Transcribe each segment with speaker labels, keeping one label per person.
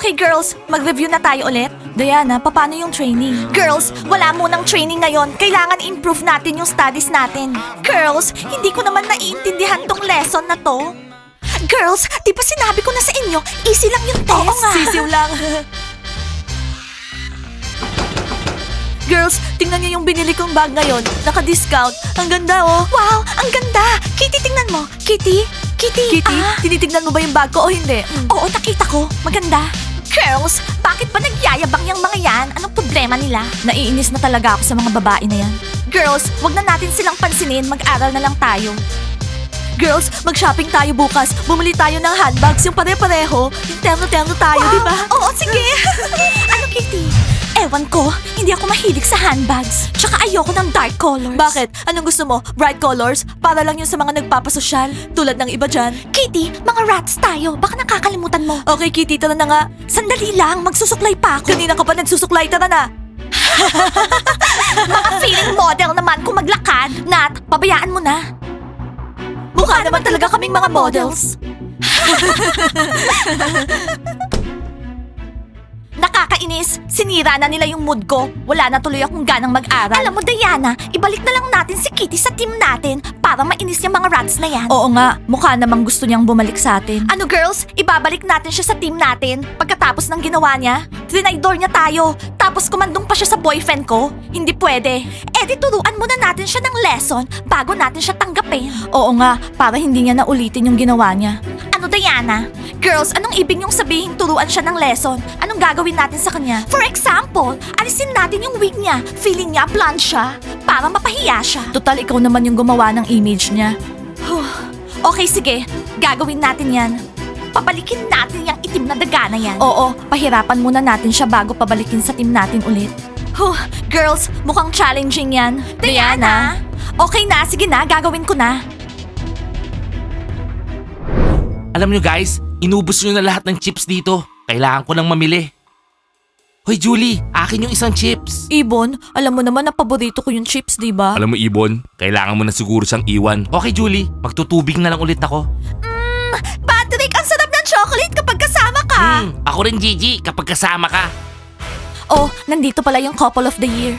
Speaker 1: Okay girls, mag-review na tayo ulit. Diana, paano yung training? Girls, wala munang training ngayon. Kailangan improve natin yung studies natin. Girls, hindi ko naman naiintindihan tong lesson na to. Girls, di ba sinabi ko na sa inyo, easy lang yung test? Oo nga. Sisiw lang. Girls, tingnan niyo yung binili kong bag ngayon. Naka-discount. Ang ganda oh. Wow, ang ganda. Kitty, tingnan mo. Kitty? Kitty, tinitignan mo ba yung bag ko o hindi? Oo, nakita ko. Maganda. Girls, bakit ba nagyayabang yung mga yan? Anong problema nila? Naiinis na talaga ako sa mga babae na yan. Girls, wag na natin silang pansinin. Mag-aral na lang tayo. Girls, mag-shopping tayo bukas. Bumili tayo ng handbags, yung pare-pareho. Yung terno-terno tayo, di ba? Oo, sige. Ano, Kitty? Ewan ko, hindi ako mahilig sa handbags. Tsaka ayoko ng dark colors. Bakit? Anong gusto mo? Bright colors? Para lang yun sa mga nagpapasosyal? Tulad ng iba dyan? Kitty, mga rats tayo. Baka nakakalimutan mo. Okay, Kitty, tara na nga. Sandali lang, magsusuklay pa ako. Kanina ka pa nagsusuklay, tara na. Mga feeling model naman kung maglakad. Nat, pabayaan mo na. Mukha naman talaga kaming mga models. Nakakainis. Sinira na nila yung mood ko. Wala na tuloy akong ganang mag-aral. Alam mo, Diana, ibalik na lang natin si Kitty sa team natin para mainis yung mga rats na yan. Oo nga, mukha namang gusto niyang bumalik sa atin. Ano girls, ibabalik natin siya sa team natin pagkatapos ng ginawa niya? Trinaydor niya tayo, tapos kumandong pa siya sa boyfriend ko? Hindi pwede. Eh di turuan muna natin siya ng lesson bago natin siya tanggapin. Oo nga, para hindi niya na ulitin yung ginawa niya. Ano Diana? Girls, anong ibig niyong sabihin turuan siya ng lesson? Anong gagawin natin sa kanya? For example, alisin natin yung wig niya. Feeling niya blonde siya para mapahiya siya. Total, ikaw naman yung gumawa ng image niya. Okay, sige. Gagawin natin yan. Pabalikin natin yung itim na daga na yan. Oo, pahirapan muna natin siya bago pabalikin sa team natin ulit. Girls, mukhang challenging yan. Diana? Okay na, sige na, gagawin ko na.
Speaker 2: Alam nyo guys, inubos nyo na lahat ng chips dito. Kailangan ko nang mamili. Hoy Julie, akin yung isang chips.
Speaker 1: Ibon, alam mo naman na paborito ko yung chips, di ba?
Speaker 2: Alam mo Ibon, kailangan mo na siguro siyang iwan. Okay Julie, magtutubig na lang ulit ako.
Speaker 1: Patrick, ang sarap ng chocolate kapag kasama ka.
Speaker 2: Ako rin Gigi, kapag kasama ka.
Speaker 1: Oh, nandito pala yung couple of the year.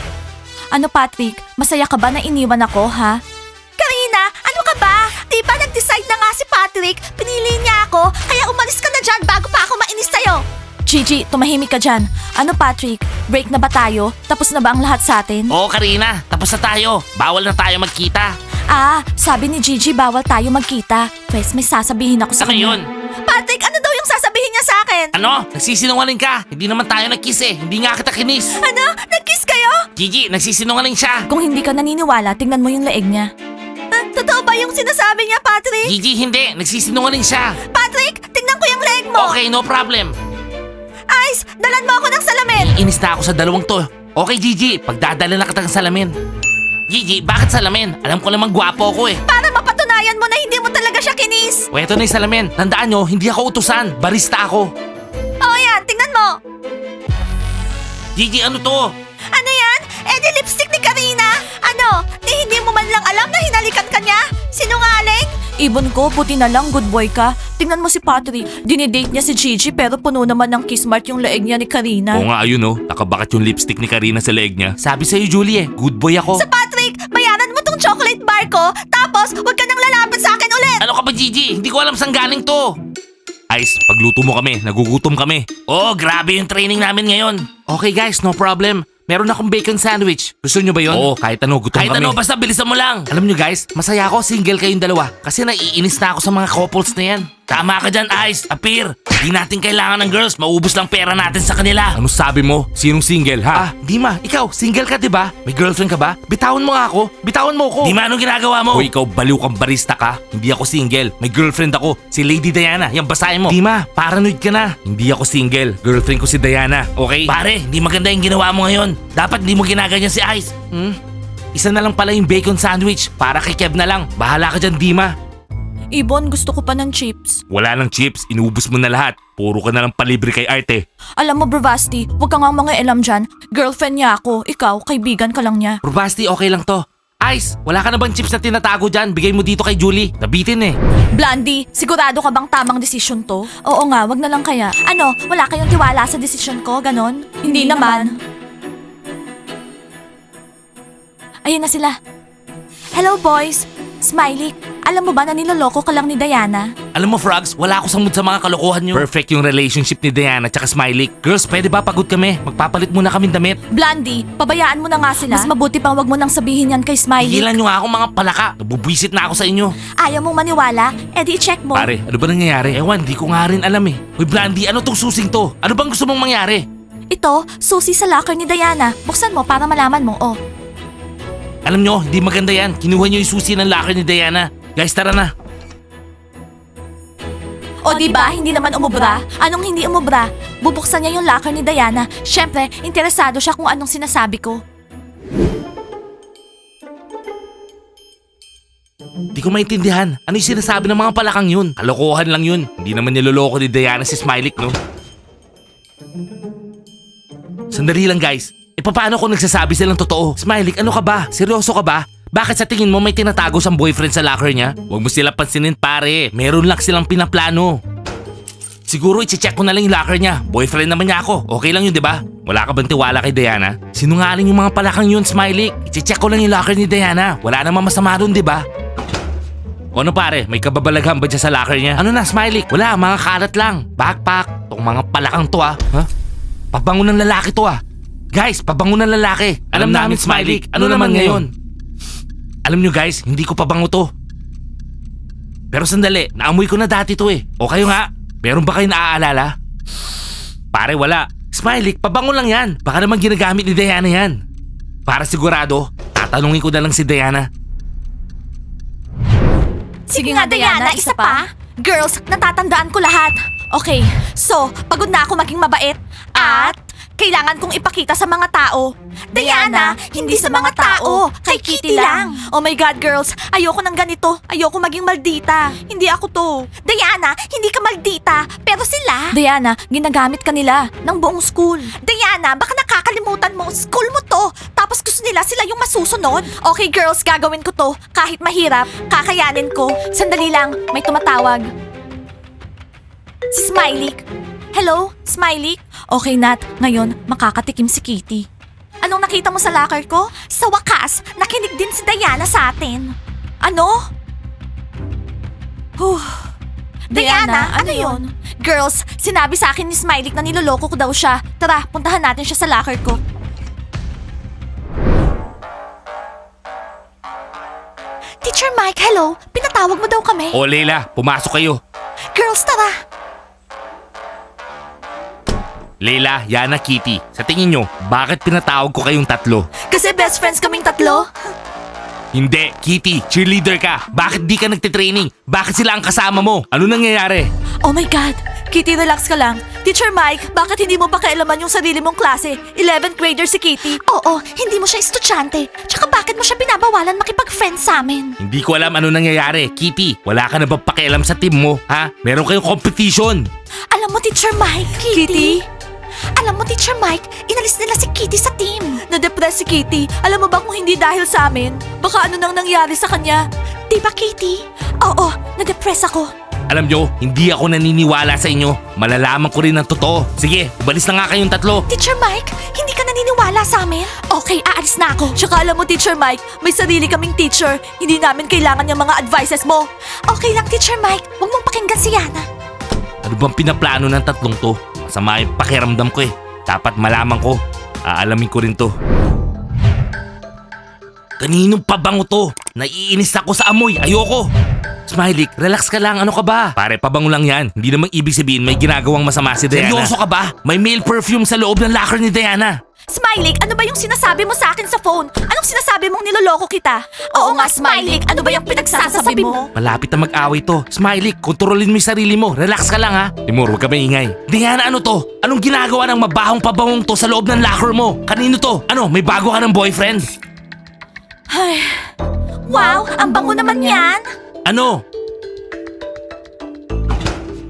Speaker 1: Ano Patrick, masaya ka ba na iniwan ako, ha? Karina, ano ka ba? Di ba nag-decide na nga si Patrick? Pinili niya ako, kaya umalis ka na dyan bago pa ako mainis sa'yo. Gigi, tumahimik ka dyan. Ano Patrick, break na ba tayo? Tapos na ba ang lahat sa atin?
Speaker 2: Oo Karina, tapos na tayo. Bawal na tayo magkita.
Speaker 1: Sabi ni Gigi bawal tayo magkita. Pwes may sasabihin ako sa
Speaker 2: Ano
Speaker 1: kanya.
Speaker 2: yun?
Speaker 1: Patrick, ano daw yung sasabihin niya sa akin?
Speaker 2: Ano? Nagsisinungaling ka. Hindi naman tayo nag-kiss eh. Hindi nga kita kinis.
Speaker 1: Ano? Nag-kiss kayo?
Speaker 2: Gigi, nagsisinungaling siya.
Speaker 1: Kung hindi ka naniniwala, tingnan mo yung leeg niya. Totoo ba yung sinasabi niya, Patrick?
Speaker 2: Gigi, hindi. Nagsisinungaling siya.
Speaker 1: Patrick, tingnan ko yung leg mo!
Speaker 2: Okay, no problem.
Speaker 1: Ice, dalan mo ako ng salamin!
Speaker 2: Inis na ako sa dalawang to. Okay Gigi, pagdadala na kita ng salamin. Gigi, bakit salamin? Alam ko namang gwapo ako eh.
Speaker 1: Para mapatunayan mo na hindi mo talaga siya kinis!
Speaker 2: O eto na yung salamin. Tandaan nyo, hindi ako utusan. Barista ako.
Speaker 1: Oo yan, tingnan mo!
Speaker 2: Gigi, ano to?
Speaker 1: Ano yan? Eh di lipstick ni Karina! Ano? Hindi mo man lang alam na hinalikan ka niya? Sinungaling? Ibon ko, buti na lang, good boy ka. Tingnan mo si Patrick. Dinidate niya si Gigi pero puno naman ng kiss mark yung leeg niya ni Karina.
Speaker 2: Oo nga, ayun oh. Nakabakit yung lipstick ni Karina sa leeg niya. Sabi sa'yo, Julie eh. Good boy ako.
Speaker 1: Sa Patrick, bayaran mo tong chocolate bar ko, tapos huwag ka nang lalapit sa akin ulit!
Speaker 2: Ano ka ba, Gigi? Hindi ko alam saan galing to. Ice, pagluto mo kami. Nagugutom kami. Oh, grabe yung training namin ngayon. Okay guys, no problem. Meron akong bacon sandwich. Gusto nyo ba yun? Oo, kahit ano, gutom kami. Kahit ano, basta bilisan mo lang. Alam nyo guys, masaya ako single kayong dalawa. Kasi naiinis na ako sa mga couples na yan. Tama ka dyan, Ice. Appear. Di natin kailangan ng girls. Maubos lang pera natin sa kanila. Ano sabi mo? Sinong single, ha? Dima, ikaw, single ka, di ba? May girlfriend ka ba? Bitawan mo nga ako. Bitawan mo ko. Dima, anong ginagawa mo? O ikaw, baliw kang barista ka. Hindi ako single. May girlfriend ako. Si Lady Diana. Yan, basahin mo. Dima, paranoid ka na. Hindi ako single. Girlfriend ko si Diana. Okay? Pare, hindi maganda yung ginawa mo ngayon. Dapat hindi mo ginaganyan si Ice. Isa na lang pala yung bacon sandwich. Para kay Kev na lang. Bahala ka dyan, Dima.
Speaker 1: Ibon, gusto ko pa ng chips.
Speaker 2: Wala nang chips, inubos mo na lahat. Puro ka na lang palibre kay Arte.
Speaker 1: Alam mo, Bravasti, huwag ka nga mga elam dyan. Girlfriend niya ako. Ikaw, kaibigan ka lang niya.
Speaker 2: Probasti, okay lang to. Ice, wala ka na bang chips na tinatago dyan? Bigay mo dito kay Julie. Nabitin eh.
Speaker 1: Blondie, sigurado ka bang tamang desisyon to? Oo nga, wag na lang kaya. Ano, wala kayong tiwala sa desisyon ko, ganon? Hindi naman. Ayun na sila. Hello boys! Smiley, alam mo ba na niloloko ka lang ni Diana?
Speaker 2: Alam mo, Frogs, wala ako sa mood sa mga kalokohan nyo. Perfect yung relationship ni Diana at Smiley. Girls, pwede ba pagod kami? Magpapalit muna kami damit.
Speaker 1: Blondie, pabayaan mo na nga sila. Mas mabuti pang wag mo nang sabihin yan kay Smiley.
Speaker 2: Higilan nyo nga ako mga palaka. Nabubwisit na ako sa inyo.
Speaker 1: Ayaw mong maniwala? Edi i-check mo.
Speaker 2: Pare, ano ba nangyayari? Ewan, di ko nga rin alam eh. Uy, Blondie, ano tong susing to? Ano bang gusto mong mangyari?
Speaker 1: Ito, susi sa locker ni Diana. Buksan mo para malaman mo, oh.
Speaker 2: Alam nyo, hindi maganda yan. Kinuha nyo yung susi ng locker ni Diana. Guys, tara na.
Speaker 1: O diba, hindi naman umubra? Anong hindi umubra? Bubuksan niya yung locker ni Diana. Syempre, interesado siya kung anong sinasabi ko.
Speaker 2: Di ko maintindihan. Ano yung sinasabi ng mga palakang yun? Kalokohan lang yun. Hindi naman niloloko ni Diana si Smiley, no? Sandali lang, guys. E paano kung nagsasabi silang totoo? Smiley, ano ka ba? Seryoso ka ba? Bakit sa tingin mo may tinatago siyang boyfriend sa locker niya? Huwag mo sila pansinin, pare. Meron lang silang pinaplano. Siguro i-check ko na lang yung locker niya. Boyfriend naman niya ako. Okay lang yun, di ba? Wala ka bang tiwala kay Diana? Sinungaling yung mga palakang yun, Smiley. I-check ko lang yung locker ni Diana. Wala namang masama doon, di ba? O ano pare, may kababalaghan ba dyan sa locker niya? Ano na, Smiley? Wala, mga kalat lang. Backpack. Tong mga palakang to ha? Pabango ng lalaki to Guys, pabango ng lalaki. Alam namin, Smiley. Ano naman ngayon? Alam nyo guys, hindi ko pabango to. Pero sandali, naamoy ko na dati to eh. O kayo nga, meron ba kayo naaalala? Pare, wala. Smiley, pabango lang yan. Baka naman ginagamit ni Diana yan. Para sigurado, tatanungin ko na lang si Diana.
Speaker 1: Sige nga, Diana, isa pa. Girls, natatandaan ko lahat. Okay, so, pagod na ako maging mabait. At kailangan kong ipakita sa mga tao. Diana, hindi sa mga tao. Kay Kitty lang. Oh my God, girls. Ayoko ng ganito. Ayoko maging maldita. Hindi ako to. Diana, hindi ka maldita. Pero sila... Diana, ginagamit ka nila ng buong school. Diana, baka nakakalimutan mo. School mo to. Tapos gusto nila sila yung masusunod. Okay, girls, gagawin ko to. Kahit mahirap, kakayanin ko. Sandali lang, may tumatawag. Si Smiley. Hello, Smiley? Okay, Nat. Ngayon, makakatikim si Kitty. Anong nakita mo sa locker ko? Sa wakas, nakinig din si Diana sa atin. Ano? Diana, ano yun? Girls, sinabi sa akin ni Smiley na niloloko ko daw siya. Tara, puntahan natin siya sa locker ko. Teacher Mike, hello. Pinatawag mo daw kami.
Speaker 2: O Leila, pumasok kayo.
Speaker 1: Girls, tara.
Speaker 2: Leila, Yana, Kitty, sa tingin nyo, bakit pinatawag ko kayong tatlo?
Speaker 1: Kasi best friends kaming tatlo.
Speaker 2: Hindi, Kitty, cheerleader ka. Bakit di ka nagtitraining? Bakit sila ang kasama mo? Ano nangyayari?
Speaker 1: Oh my God! Kitty, relax ka lang. Teacher Mike, bakit hindi mo pa kailaman yung sarili mong klase? 11th grader si Kitty. Oo, hindi mo siya estudyante. Tsaka bakit mo siya binabawalan makipag-friend sa amin?
Speaker 2: Hindi ko alam ano nangyayari. Kitty, wala ka na ba pakialam sa team mo? Ha? Meron kayong competition.
Speaker 1: Alam mo, Teacher Mike, Kitty? Alam mo, Teacher Mike, inalis nila si Kitty sa team. Na-depress si Kitty. Alam mo ba kung hindi dahil sa amin? Baka ano nang nangyari sa kanya? Di ba, Kitty? Oo, na-depress ako.
Speaker 2: Alam nyo, hindi ako naniniwala sa inyo. Malalaman ko rin ang totoo. Sige, umalis na nga kayong tatlo.
Speaker 1: Teacher Mike, hindi ka naniniwala sa amin? Okay, aalis na ako. Tsaka alam mo, Teacher Mike, may sarili kaming teacher. Hindi namin kailangan yung mga advices mo. Okay lang, Teacher Mike. Huwag mong pakinggan si Yana.
Speaker 2: Ano bang pinaplano ng tatlong to? Masama yung pakiramdam ko eh. Dapat malaman ko. Aalamin ko rin to. Kaninong pabango to? Naiinis ako sa amoy. Ayoko. Smiley, relax ka lang. Ano ka ba? Pare, pabango lang yan. Hindi namang ibig sabihin may ginagawang masama si Diana. Seryoso ka ba? May male perfume sa loob ng locker ni Diana.
Speaker 1: Smiley, ano ba yung sinasabi mo sa akin sa phone? Anong sinasabi mong niloloko kita? Oo nga, Smiley, ano ba yung pinagsasabi mo?
Speaker 2: Malapit na mag-away to. Smiley, kontrolin mo yung sarili mo. Relax ka lang ha. Timur, huwag ka maingay. Diana, ano to? Anong ginagawa ng mabahong pabangong to sa loob ng locker mo? Kanino to? Ano, may bago ka ng boyfriend?
Speaker 1: Ay, wow, ang bango naman yan.
Speaker 2: Ano?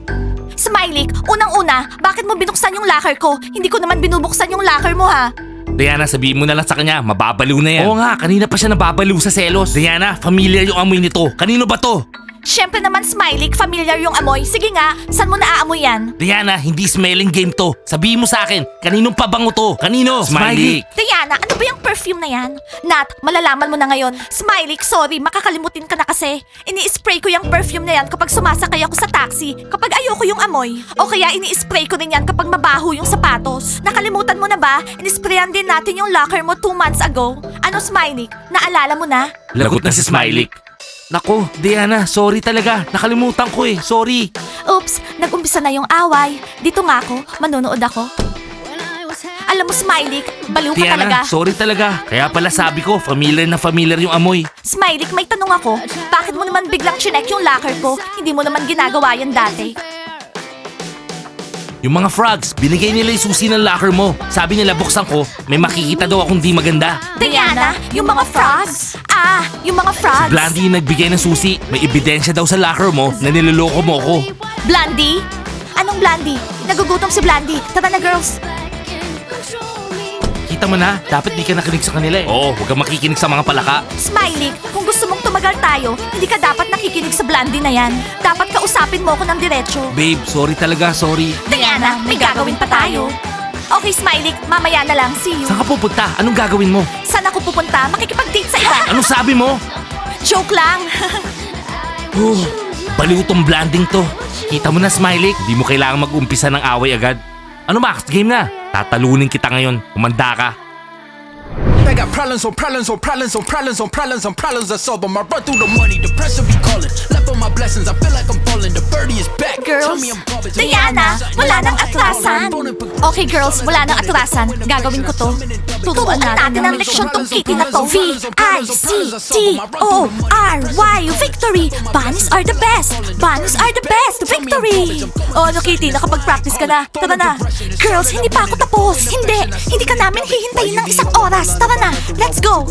Speaker 1: Smiley, unang-una, bakit mo binuksan yung locker ko? Hindi ko naman binubuksan yung locker mo, ha?
Speaker 2: Diana, sabihin mo na lang sa kanya, mababaliw na yan. Oo nga, kanina pa siya nababaliw sa selos. Diana, familiar yung amoy nito. Kanino ba to?
Speaker 1: Siyempre naman, Smiley, familiar yung amoy. Sige nga, saan mo naaamoy yan?
Speaker 2: Diana, hindi smelling game to. Sabihin mo sa akin, kaninong pabango to? Kanino? Smiley.
Speaker 1: Diana, ano ba yung perfume na yan? Nat, malalaman mo na ngayon. Smiley, sorry, makakalimutin ka na kasi. Ini-spray ko yung perfume na yan kapag sumasakay ako sa taxi, kapag ayoko yung amoy. O kaya ini-spray ko din yan kapag mabaho yung sapatos. Nakalimutan mo na ba? Inisprayan din natin yung locker mo 2 months ago. Ano, Smiley? Naalala mo na?
Speaker 2: Lagot na si Smiley. Nako, Diana, sorry talaga. Nakalimutan ko eh. Sorry.
Speaker 1: Oops, nag-umpisa na yung away. Dito nga ako, manonood ako. Alam mo, Smiley, baliw ka
Speaker 2: Diana,
Speaker 1: talaga.
Speaker 2: sorry talaga. Kaya pala sabi ko, familiar na familiar yung amoy.
Speaker 1: Smiley, may tanong ako. Bakit mo naman biglang chinek yung locker ko? Hindi mo naman ginagawa yan dati.
Speaker 2: Yung mga frogs, binigay nila yung susi ng locker mo. Sabi nila buksan ko, may makikita daw akong di maganda.
Speaker 1: Diana, yung mga frogs? Ah, yung mga frogs.
Speaker 2: Blandy yung nagbigay ng susi. May ebidensya daw sa locker mo na niloloko mo ko.
Speaker 1: Blandy? Anong Blandy? Nagugutom si Blandy. Tara na, girls.
Speaker 2: Kita mo na, dapat di ka nakinig sa kanila eh. Oo, huwag kang makikinig sa mga palaka.
Speaker 1: Smiley, kung gusto mong tumagal tayo, hindi ka dapat nakikinig sa Blandy na yan. Dapat kausapin mo ako ng diretso.
Speaker 2: Babe, sorry talaga, sorry.
Speaker 1: Diana, may gagawin pa tayo. Okay, Smiley, mamaya na lang. See you.
Speaker 2: Saan ka pupunta? Anong gagawin mo?
Speaker 1: Saan ako pupunta? Makikipag-date sa iba.
Speaker 2: Anong sabi mo?
Speaker 1: Joke lang.
Speaker 2: Oh, baliw tong blanding to. Kita mo na, Smiley, di mo kailangan mag-umpisa ng away agad. Ano Max, game na. Tatalunin kita ngayon. Kumanda ka.
Speaker 3: I got problems on problems on problems on problems on problems on problems I solve them. I run through the money, the pressure be calling. Left on my blessings, I feel like I'm falling. The birdie is back. Tell
Speaker 1: Girls,
Speaker 3: me I'm garbage.
Speaker 1: Diana, wala nang atrasan. Okay, girls, wala nang atrasan. Gagawin ko to. Tutuan natin ang leksyon tong kitty na to. V-I-C-T-O-R-Y. Victory! Bunnies are the best! Bunnies are the best! Victory! Oh, ano, Kitty? Nakapag-practice ka na. Tara na. Girls, hindi pa ako tapos. Hindi ka namin hihintayin ng isang oras. Tara na. Let's go!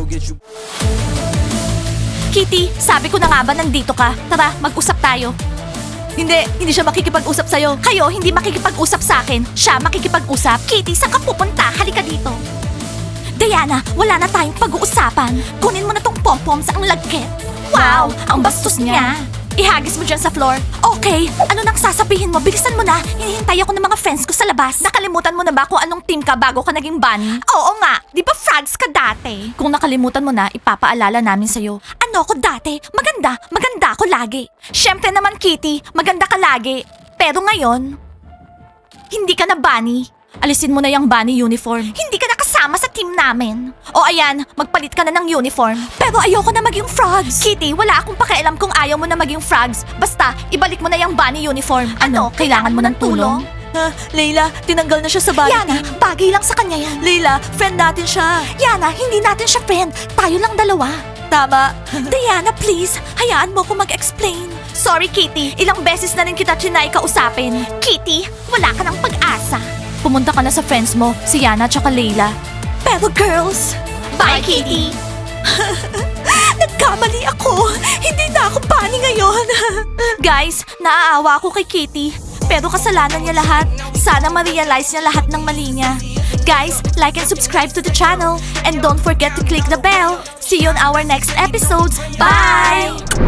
Speaker 1: Kitty, sabi ko na nga ba nandito ka? Tara, mag-usap tayo. Hindi siya makikipag-usap sa'yo. Kayo, hindi makikipag-usap sa akin. Siya makikipag-usap. Kitty, saan ka pupunta? Halika dito. Diana, wala na tayong pag-uusapan. Kunin mo na tong pom-pom sa ang lagkit. Wow, ang bastos niya. Ihagis mo dyan sa floor. Okay, ano nang sasabihin mo? Bilisan mo na. Hinihintay ako ng mga friends ko sa labas. Nakalimutan mo na ba kung anong team ka bago ka naging bunny? Oo nga, di ba frogs ka dati? Kung nakalimutan mo na, ipapaalala namin sa'yo. Ano ako dati? Maganda ako lagi. Siyempre naman, Kitty, maganda ka lagi. Pero ngayon, hindi ka na bunny. Alisin mo na yung bunny uniform. Hindi ka na kasama sa team namin. O ayan, magpalit ka na ng uniform. Pero ayoko na maging frogs. Kitty, wala akong pakialam kung ayaw mo na maging frogs. Basta, ibalik mo na yung bunny uniform. Ano, kailangan mo ng tulong? Leila, tinanggal na siya sa bunny Yana, bagay lang sa kanya yan. Leila, friend natin siya. Yana, hindi natin siya friend. Tayo lang dalawa. Tama. Diana, please, hayaan mo ko mag-explain. Sorry, Kitty. Ilang beses na rin kita trinay kausapin. Kitty, wala ka ng pag-asa. Pumunta ka na sa friends mo, si Yana at Leila. Pero girls, bye Kitty! Nagkamali ako! Hindi na ako bunny ngayon! Guys, naaawa ako kay Kitty. Pero kasalanan niya lahat. Sana ma-realize niya lahat ng mali niya. Guys, like and subscribe to the channel. And don't forget to click the bell. See you on our next episodes. Bye!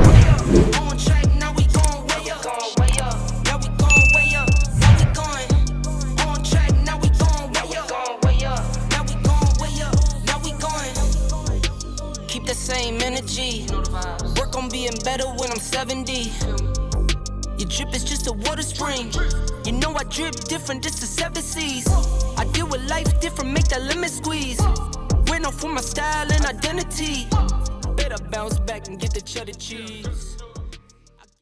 Speaker 4: Keep the same energy. Work on being better when I'm 70. Your drip is just a water spring. You know I drip different, this is 7 seas. I deal with life different, make that limit squeeze. Went off for my style and identity. Better bounce back and get the cheddar cheese.